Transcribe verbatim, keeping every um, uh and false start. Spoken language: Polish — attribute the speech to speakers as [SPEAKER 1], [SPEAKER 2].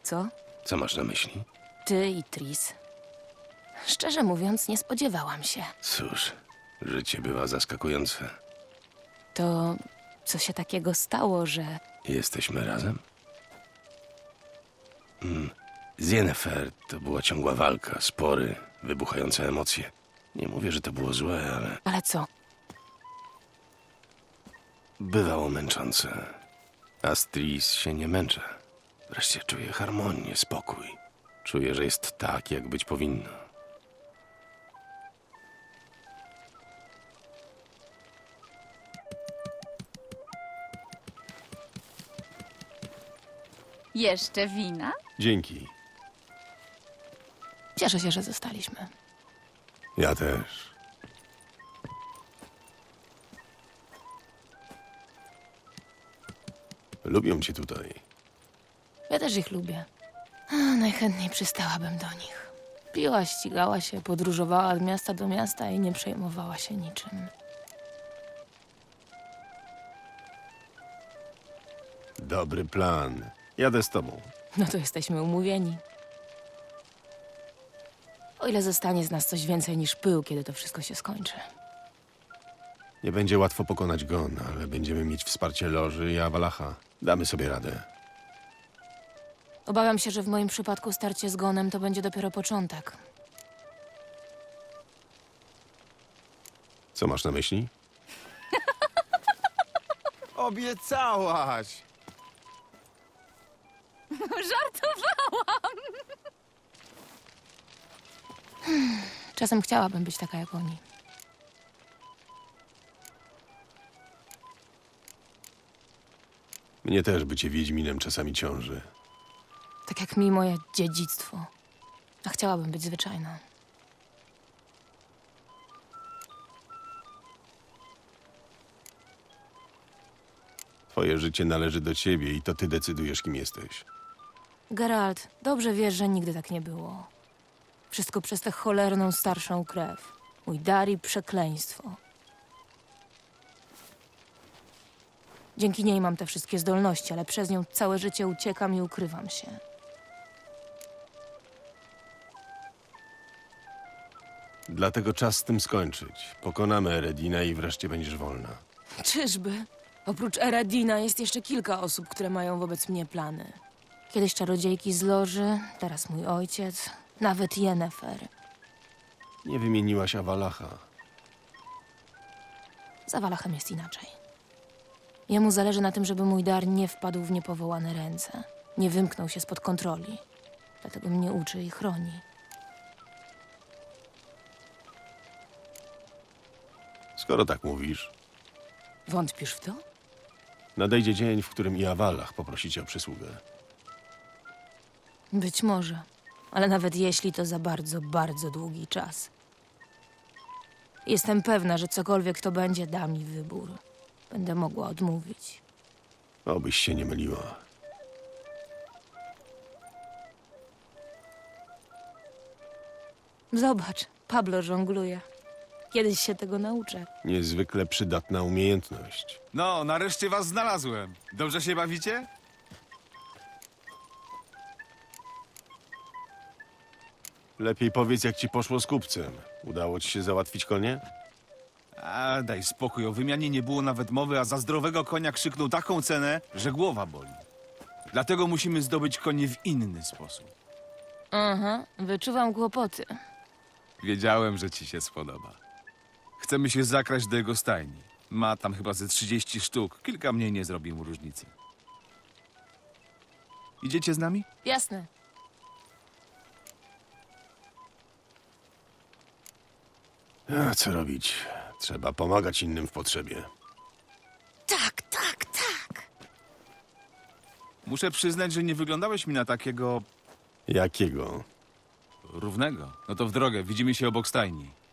[SPEAKER 1] Co?
[SPEAKER 2] Co masz na myśli?
[SPEAKER 1] Ty i Tris. Szczerze mówiąc, nie spodziewałam się.
[SPEAKER 2] Cóż, życie bywa zaskakujące.
[SPEAKER 1] To co się takiego stało, że...
[SPEAKER 2] Jesteśmy razem? Mm. Z Yennefer to była ciągła walka, spory, wybuchające emocje. Nie mówię, że to było złe, ale
[SPEAKER 1] Ale co?
[SPEAKER 2] bywało męczące. A z Tris się nie męczę. Wreszcie czuję harmonię, spokój. Czuję, że jest tak, jak być powinno.
[SPEAKER 3] Jeszcze wina?
[SPEAKER 2] Dzięki.
[SPEAKER 1] Cieszę się, że zostaliśmy.
[SPEAKER 2] Ja też. Lubią cię tutaj.
[SPEAKER 1] Ja też ich lubię. A, najchętniej przystałabym do nich. Piła, ścigała się, podróżowała od miasta do miasta i nie przejmowała się niczym.
[SPEAKER 2] Dobry plan. Jadę z tobą.
[SPEAKER 1] No to jesteśmy umówieni. O ile zostanie z nas coś więcej niż pył, kiedy to wszystko się skończy.
[SPEAKER 2] Nie będzie łatwo pokonać Gon, ale będziemy mieć wsparcie Loży i Avalacha. Damy sobie radę.
[SPEAKER 1] Obawiam się, że w moim przypadku starcie z Gonem to będzie dopiero początek.
[SPEAKER 2] Co masz na myśli?
[SPEAKER 4] Obiecałaś!
[SPEAKER 3] Żartowałam!
[SPEAKER 1] Czasem chciałabym być taka jak oni.
[SPEAKER 2] Mnie też bycie Wiedźminem czasami ciąży.
[SPEAKER 1] Tak jak mi moje dziedzictwo. A chciałabym być zwyczajna.
[SPEAKER 2] Twoje życie należy do ciebie i to ty decydujesz, kim jesteś.
[SPEAKER 1] Geralt, dobrze wiesz, że nigdy tak nie było. Wszystko przez tę cholerną starszą krew. Mój dar i przekleństwo. Dzięki niej mam te wszystkie zdolności, ale przez nią całe życie uciekam i ukrywam się.
[SPEAKER 2] Dlatego czas z tym skończyć. Pokonamy Eredina i wreszcie będziesz wolna.
[SPEAKER 1] Czyżby? Oprócz Eredina jest jeszcze kilka osób, które mają wobec mnie plany. Kiedyś czarodziejki z Loży, teraz mój ojciec, nawet Yennefer.
[SPEAKER 2] Nie wymieniłaś Avalacha.
[SPEAKER 1] Z Avalachem jest inaczej. Jemu zależy na tym, żeby mój dar nie wpadł w niepowołane ręce. Nie wymknął się spod kontroli. Dlatego mnie uczy i chroni.
[SPEAKER 2] Skoro tak mówisz,
[SPEAKER 1] Wątpisz w to?
[SPEAKER 2] nadejdzie dzień, w którym i Avalach poprosi cię o przysługę.
[SPEAKER 1] Być może. Ale nawet jeśli, to za bardzo, bardzo długi czas. Jestem pewna, że cokolwiek to będzie, da mi wybór. Będę mogła odmówić.
[SPEAKER 2] Obyś się nie myliła.
[SPEAKER 1] Zobacz, Pablo żongluje. Kiedyś się tego nauczę.
[SPEAKER 2] Niezwykle przydatna umiejętność.
[SPEAKER 4] No, nareszcie was znalazłem. Dobrze się bawicie?
[SPEAKER 2] Lepiej powiedz, jak ci poszło z kupcem. Udało ci się załatwić konie?
[SPEAKER 4] A daj spokój, o wymianie nie było nawet mowy, a za zdrowego konia krzyknął taką cenę, że głowa boli. Dlatego musimy zdobyć konie w inny sposób.
[SPEAKER 1] Aha, wyczuwam kłopoty.
[SPEAKER 4] Wiedziałem, że ci się spodoba. Chcemy się zakraść do jego stajni. Ma tam chyba ze trzydzieści sztuk. Kilka mniej nie zrobi mu różnicy. Idziecie z nami?
[SPEAKER 1] Jasne.
[SPEAKER 2] A co robić? Trzeba pomagać innym w potrzebie.
[SPEAKER 1] Tak, tak, tak.
[SPEAKER 4] Muszę przyznać, że nie wyglądałeś mi na takiego
[SPEAKER 2] Jakiego?
[SPEAKER 4] równego. No to w drogę, widzimy się obok stajni.